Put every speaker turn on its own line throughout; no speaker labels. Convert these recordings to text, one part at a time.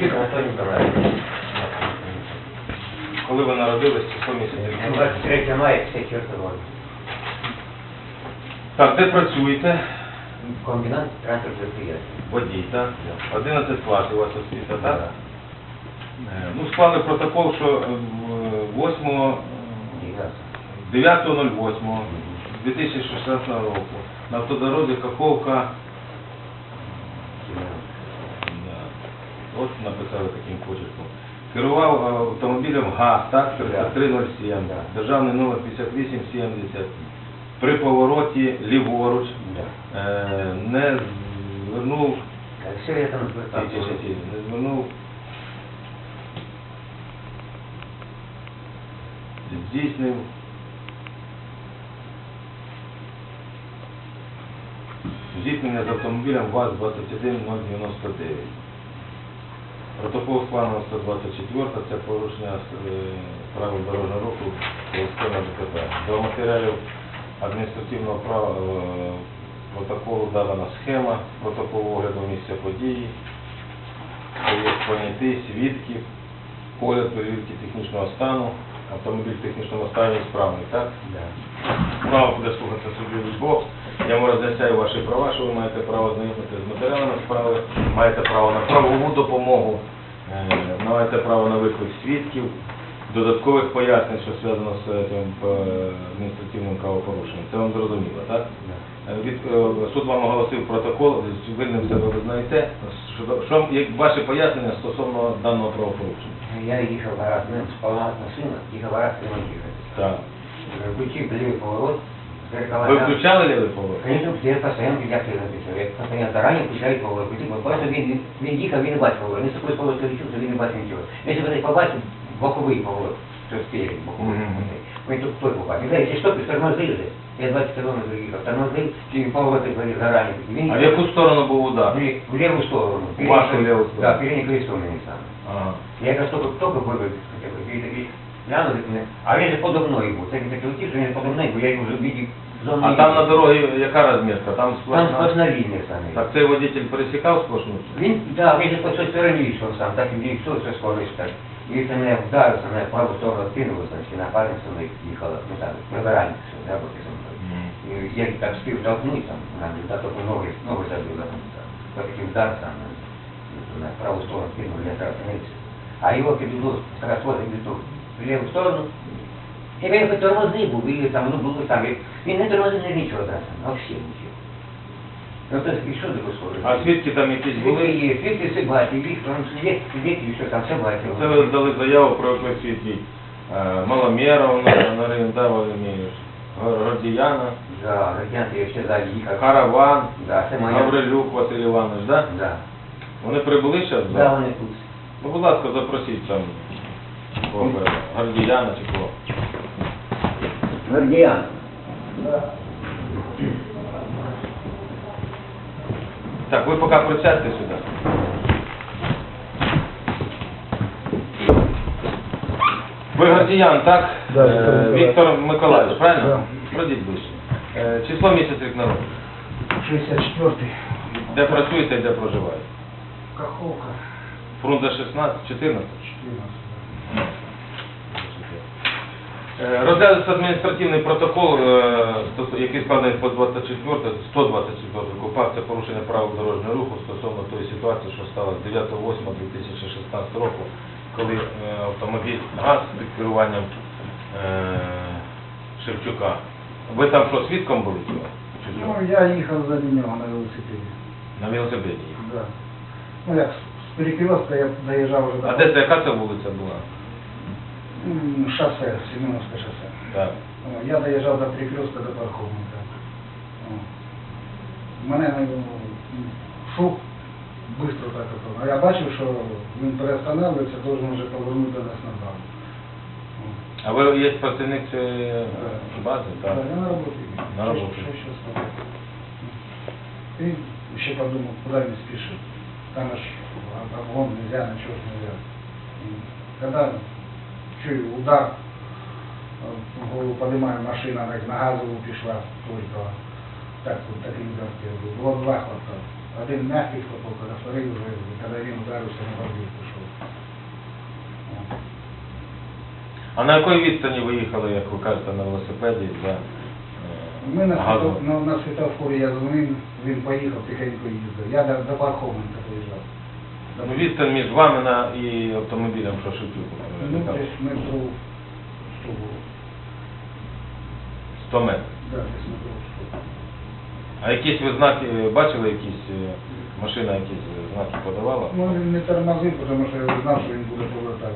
Никитин Анатолий Николаевич.
Коли ви народились, число місяця?
23 мая 54 года.
Так, де працюєте?
Комбинат транспортных предприятий.
Водій, так? 11 класів у вас освіта, так?
Да.
Ну, склали протокол, що 9.08.2016 року на автодорозі Каховка, от написали таким почерком, керував автомобілем ГАЗ, так, 3307, державний номер 5870. При повороті ліворуч не звернув,
Все это
не звернув, здійснив зіткнення з автомобілем ВАЗ-21099. Протокол складено 124, це порушення правил дорожнього руху на ДТП. До матеріалів адміністративного протоколу дадана схема протоколу огляду місця події, понятий свідків, погляд перевірки технічного стану, автомобіль в технічному стані справний, так? Право буде слухатися суддю Лубок. Я вам роз'ясняю ваші права, що ви маєте право знайомитися з матеріалами справи, маєте право на правову допомогу, маєте право на виклик свідків, додаткових пояснень, що зв'язано з цим адміністративним правопорушенням. Це вам зрозуміло, так? Суд вам оголосив протокол, винним себе ви знаєте. Що ваші пояснення стосовно даного правопорушення?
Я ехал в раз, спала машина, ехал в раз, ремонтировать.
Так.
Включив левый поворот, зеркала.
Ви включали лівий поворот?
Конечно, я постоянно я написал. Я постоянно заранее включаю поворот. Просто він їхав, він не бачив поворот. Не такой поворот включився, він не бачив нічого. Якщо ви побачите боковий поворот, то спереди боковий. Ви тут той побачив. Якщо що, тормозили. Я 20 км їхав, тормозив, і повороти були зарані.
А в яку сторону був удар?
В левую сторону.
В вашу левую сторону?
Да, переднее колесо мне сам.
Ага.
Я как только вывез, глянули, а він же подо мною був. Це він таки летів, що він подо мною, бо я його вже видів зону.
А там на дорозі яка розмітка? Там
сплошна лінія саме.
Так цей водитель пересікав сплошну?
Він же по той стороні йшов сам, так і все скоріше так. І це мене вдарився, на праву сторону відкинулося, і напарниця мною їхала, ну так, прибиральник, що роботи зі мною. І я так спів толкнуть, там, на тільки ноги забила, по такий вдар сам, на праву сторону кинули, я зараз остановився. А його підвело з розходом в ліву сторону. І він хоч тормозний був, і там, ну було там, він не тормозив не нічого зараз, взагалі нічого. Ну то і що таке схоже?
А свідки там якісь були?
Свідки є, свідки все бачили, їх там свідки, що там все бачили.
Це ви дали заяву про виклик свідків Маломєров, Наринда Валерійович, Гордіяна,
Да, Гордіян, я ще далі їхав.
Караван,
Да, це моя.
Гаврилюк Василь Іванович, так?
Да.
Вони прибули зараз?
Да, вони тут.
Ну, будь ласка, запросіть там Гордіяна чи кого.
Гордіян. Да.
Так, ви поки присядьте сюди. Ви Гордіян, так?
Да,
Віктор Миколаївич, правильно?
Да.
Пройдіть ближче. Число місяць рік народу.
64-й.
Де працюєте і де проживаєте?
Каховка.
Фрунзе 16, 14?
14.
Розглядається адміністративний протокол, який складений по 124 КУПАП, це порушення правил дорожнього руху стосовно тої ситуації, що сталося 9.08.2016 року, коли автомобіль ГАЗ під керуванням Шевчука. Ви там що, свідком були цього?
Ну, я їхав за нього на велосипеді.
На велосипеді їхав?
Да. Ну, як з перекрестка я доїжджав вже до...
А де це, яка це вулиця була?
Шосе, Семеновське шосе.
Так.
Я доїжджав до перекрестка до парковника. Мене шов швидко так. А я бачив, що він переостанавливається, должен вже повернути нас назад.
А ви є працівник цієї бази? Так.
Да, я на роботі.
На роботі.
Що сказати? И еще подумал, куда не спешит. Там аж облом нельзя, ничего нельзя. Когда чую удар, в голову поднимаю, машина на газову пішла, только так вот такие удар первый. Было два хлопка. Один мягкий хлопок, а второй уже, когда він ударився на бордюр пішов.
А на якій відстані ви їхали, як ви кажете, на велосипеді за
Ми на,
газом?
на світофорі я дзвонив, він поїхав, тихенько їздив. Я до Пархоменка приїжджав.
Ну, відстань між вами і автомобілем, що Шевчук?
Ну, десь метрів 100 було.
100 метрів.
Да, десь метрів 100.
А якісь ви знаки бачили, якісь машина якісь знаки подавала?
Ну, він не тормозив, тому що я знав, що він буде повертати.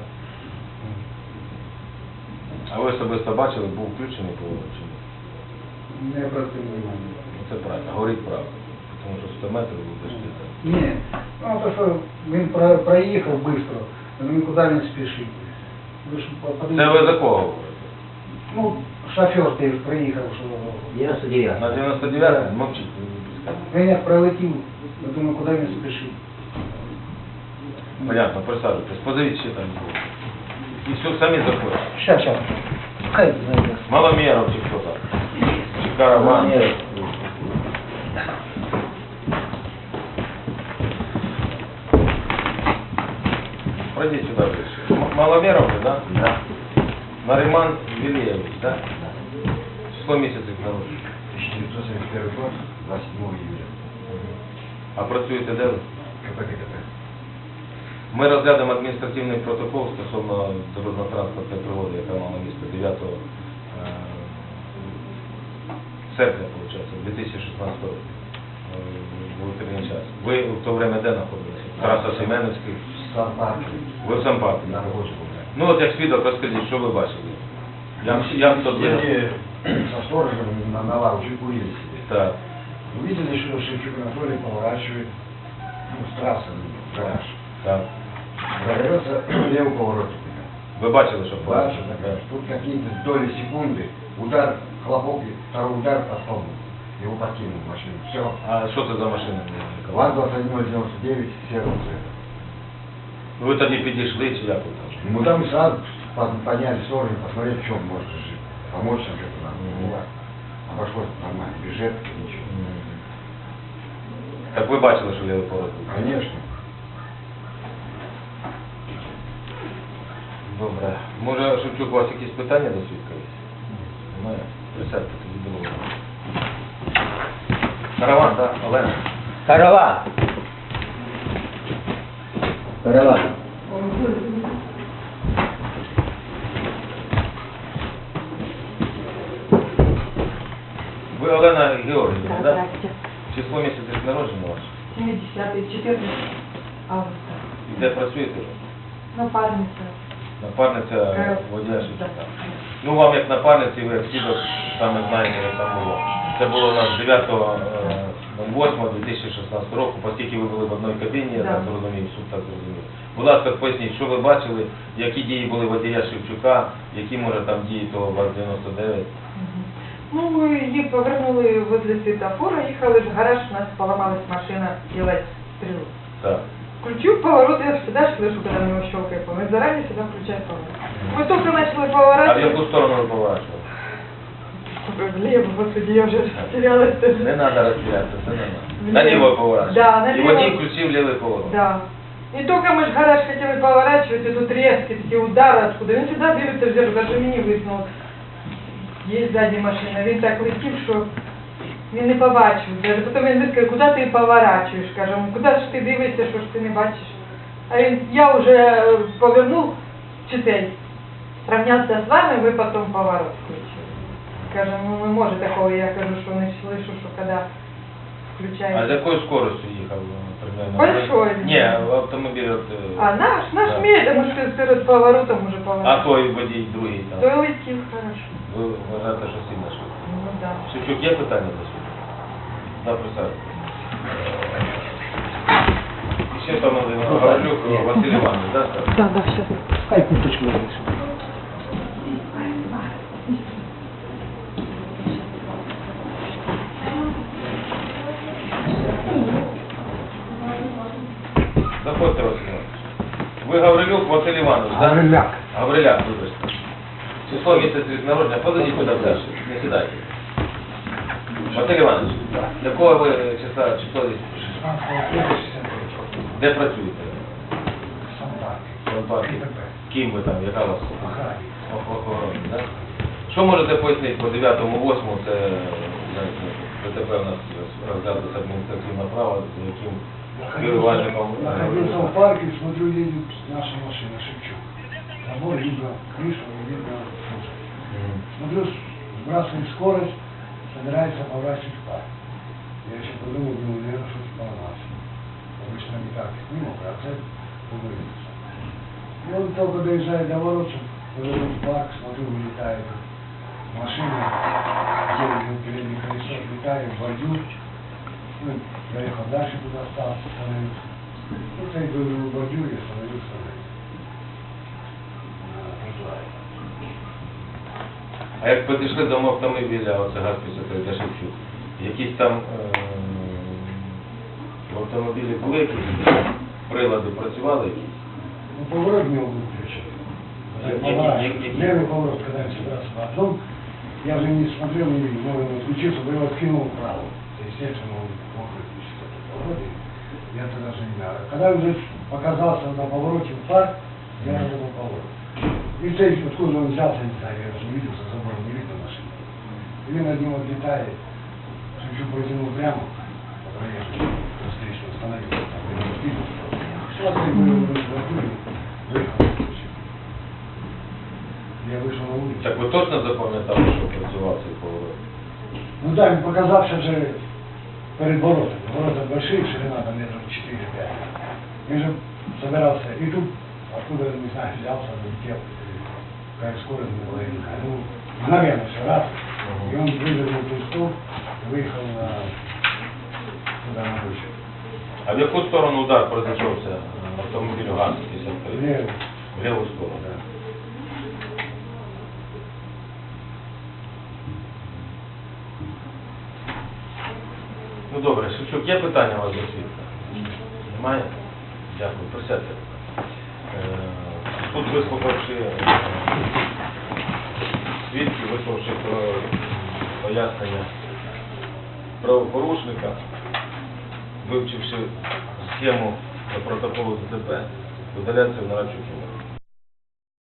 А ви особисто бачили, був включений поворот чи ні?
Не обратив внимання.
Ну, це правильно, говоріть правду. Тому що 100 метрів ви дошли.
Ні, ну то, що він проїхав швидко, але нікуди не спішив. Ви ж
Це ви за кого говорите?
Ну, шофер ти ж приїхав, що...
99.
На 99-му? Мовчіть, ви не підскажете.
Він як прилетів, я думаю, куди він спішив.
Понятно, присаджуйтесь. Позовіть ще там було. І все, самі заходять.
Щас. Хай знайде.
Маломеров чи хто там? Чи караван? Пройдите сюда ближе. Маломеров, да?
Да.
Нариман Вилеевич, да? Число месяца народження.
1971 год, 27 июля.
А працюєте де ви?
КПКТ.
Ми розглянемо адміністративний протокол стосовно дорожньо-транспортної пригоди, яка мала місце 9 серпня, виходить, 2016 року. В утренній час. Ви в то время де знаходилися? Тараса Семеновський?
Сам парк.
Ви в Сампарку?
На работе был.
Ну от як свідок, розкажіть, що ви бачили? Я тут
Сидели со сторожем на лавочке, курили себе.
Так.
Увидели, что Шевчук Анатолий поворачивает, ну, с трассы в гараж.
Так.
Прорвется левый поворотик.
Ви бачили, що
Дальше, тут какие-то доли секунды, удар, хлопок, и второй удар по столбу. Его подкинул в машину. Все.
А що це за машина?
ВАЗ-2199 серого цвета.
Ну ви тоді підійшли, чи як ви там?
Мы там сразу подняли сторону, посмотреть, в чем может жить. Помочь нам что-то надо. Ну, ладно. Обошлось нормально, без жертв, ничего.
Так ви бачили, що лівий поворот був?
Конечно.
Добре. Може, Шевчук, у вас якісь питання до свідка є? Немає? Присядьте тоді до мене. Караван, так? Олена?
Караван. Караван.
Ви Олена Георгіївна,
Да,
так?
здрасте.
Число місяця народження ваше?
70-й, 14 августа.
І де працюєте?
Напарниця.
Напарниця водія
Да.
Шевчука. Ну, вам як напарниці, ви як свідок саме знаєте, як там було. Це було у нас 9.08.2016 року, оскільки ви були в одній кабіні, я
Да.
так зрозумів, суд так зрозумів. Будь ласка, поясніть, що ви бачили, які дії були водія Шевчука, які, може, там дії того ВАЗ-99?
Мгм. Ну, ми її повернули возле світофора, їхали в гараж, у нас поломалась машина делать стрелу.
Так.
Включу поворот, я всегда слышу, когда у него щелкает поворот. Заранее всегда включаю поворот. Мы только начали
А в
поворачивать.
яку сторону ви поворачували?
Влево, господи, я уже растерялась.
Не треба розтірятися, це не треба.
Влево.
Наліво поворачували.
Да,
І
наліво.
водій включив лівий поворот.
Да. И только мы ж гараж хотели поворачивать, и тут резкие такие удары откуда. Он всегда дивится в зеркало, даже мені висунув. Є ззаді машина, він так летів, що він не побачив. Даже потім він каже, куди ти поворачуєш? Кажемо, куди ж ти дивишся, що ж ти не бачиш? А він, я вже повернув читей, сравнявся з вами, ви потім поворот включили. Каже, ну не може такого, я кажу, що не слышу, що коли включаєш.
А з якою скоростю їхав примерно?
Большой.
Ні, автомобіль от...
А наш
Да.
медленно, що перед поворотом уже
А
поворот.
той водій другий там?
То летів хорошо.
Ви вважаєте, що сильно швидко?
Ну да.
Шевчук, є питання до суду? Да, присадку. І ще там Гаврилюк Василь Іванович, да, скажете?
Да, да, сейчас.
Хай куточку вийде.
Заходьте, Василь Іванович. Ви Гаврилюк Василь Іванович, да?
Гавриляк.
Гавриляк, вибачте. Число місяць рік народження, подойдіть сюди далі, не сідайте. Василь Іванович, якого ви число десь? Де працюєте? В Санпарку. Ким ви там, яка у вас
Охранник.
охорона, да? Що можете пояснити по 9-8, це ДТП у нас розглядується адміністративне право, з яким керувальником...
Находился в парке, смотрю, едет наша машина, Шевчук. Забор видно крышу, видно кузов. Смотрю, сбрасывает скорость, собирается поворачивать в парк. Я еще подумал, думаю, наверное, что-то поломался. Обычно не так, мимо, а цель вывалится. И он только доезжает до ворот, уже в парк, смотрю, вылетает машина, делает переднее колесо, летает в бордюр. Ну, доехал дальше, туда остался, остановился. Ну, я иду в бордюр, я остановился на тротуаре.
А як підійшли до автомобіля, оце ГАЗ-53 Шевчук, якісь там в автомобілі були якісь прилади, працювали якісь?
Ну, поворот не был включен. Левый поворот, когда я собирался на дом, я уже не смотрел, не видел, но он отключился, но его откинул вправо. Естественно, он мог выключить этот поворот, и я тогда даже не знаю. Когда уже показался на повороте в парк, я разобрал поворот. И здесь, откуда он взялся, не знаю, я уже не видел, за забором не видно машины. И над ним отлетает, чуть-чуть протянул прямо, по проезжему, встречную остановился, там, я не видел. Сейчас я был выехал, выключил. Я вышел на улицу.
Так ви точно запам'ятали, що працював цей поворот?
Ну да, он показався же перед воротами. Ворота большие, ширина там метров 4-5. Я же собирался, и тут, откуда, не знаю, взялся, залетел, какая скорость была, я не знаю. Ну, мгновенно все, раз. И он вывернул ту и выехал туда на вышку.
А в яку сторону удар пройшовся автомобілю ГАЗ-53?
Влево.
В ліву сторону.
Да.
Ну добре, Шевчук, є питання у вас до свідка? Немає? Дякую, присядьте. Суд, вислухавши свідків, вислухавши пояснення правопорушника, вивчивши схему до протоколу ДТП, видаляється в нарадчу кімнату.